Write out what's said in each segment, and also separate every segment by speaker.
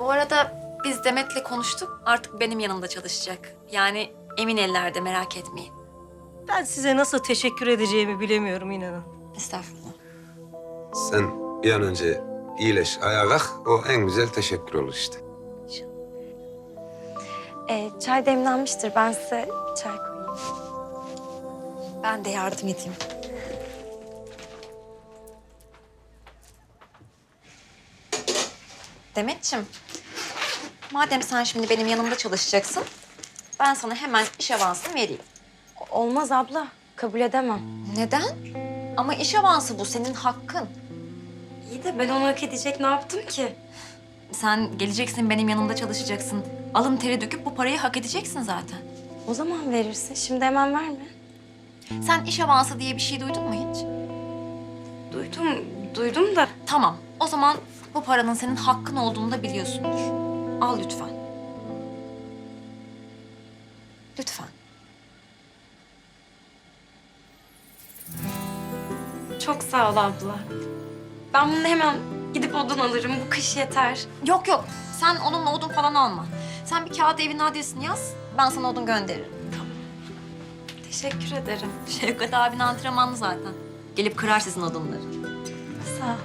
Speaker 1: Bu arada biz Demet'le konuştuk. Artık benim yanımda çalışacak. Yani emin ellerde, merak etmeyin.
Speaker 2: Ben size nasıl teşekkür edeceğimi bilemiyorum inanın.
Speaker 1: Estağfurullah.
Speaker 3: Sen bir an önce iyileş, ayağa kalk. O en güzel teşekkür olur işte.
Speaker 4: Çay demlenmiştir. Ben size çay koyayım.
Speaker 1: Ben de yardım edeyim. Demetciğim, madem sen şimdi benim yanımda çalışacaksın, ben sana hemen iş avansını vereyim.
Speaker 4: Olmaz abla. Kabul edemem.
Speaker 1: Neden? Ama iş avansı bu, senin hakkın.
Speaker 4: İyi de ben onu hak edecek ne yaptım ki?
Speaker 1: Sen geleceksin, benim yanımda çalışacaksın. Alın teri döküp bu parayı hak edeceksin zaten.
Speaker 4: O zaman verirsin. Şimdi hemen verme.
Speaker 1: Sen iş avansı diye bir şey duydun mu hiç?
Speaker 4: Duydum da.
Speaker 1: Tamam, o zaman bu paranın senin hakkın olduğunu da biliyorsundur. Al lütfen. Lütfen.
Speaker 4: Çok sağ ol abla. Ben bunu hemen gidip odun alırım. Bu kış yeter.
Speaker 1: Yok yok, sen onunla odun falan alma. Sen bir kağıda evin adresini yaz, ben sana odun gönderirim.
Speaker 4: Teşekkür ederim.
Speaker 1: Şevkat abin antrenmanlı zaten. Gelip kırar sizin odunları.
Speaker 4: Sağ ol.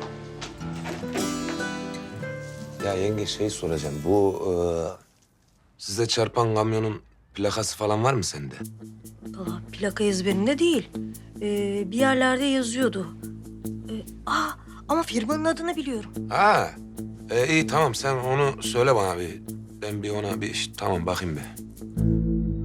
Speaker 3: Ya yenge şey soracağım. Bu size çarpan kamyonun plakası falan var mı sende?
Speaker 2: Valla plaka ezberinde değil. Bir yerlerde yazıyordu. Ama firmanın adını biliyorum.
Speaker 3: Ha, iyi tamam sen onu söyle bana bir. Ben bir ona bir tamam bakayım bir.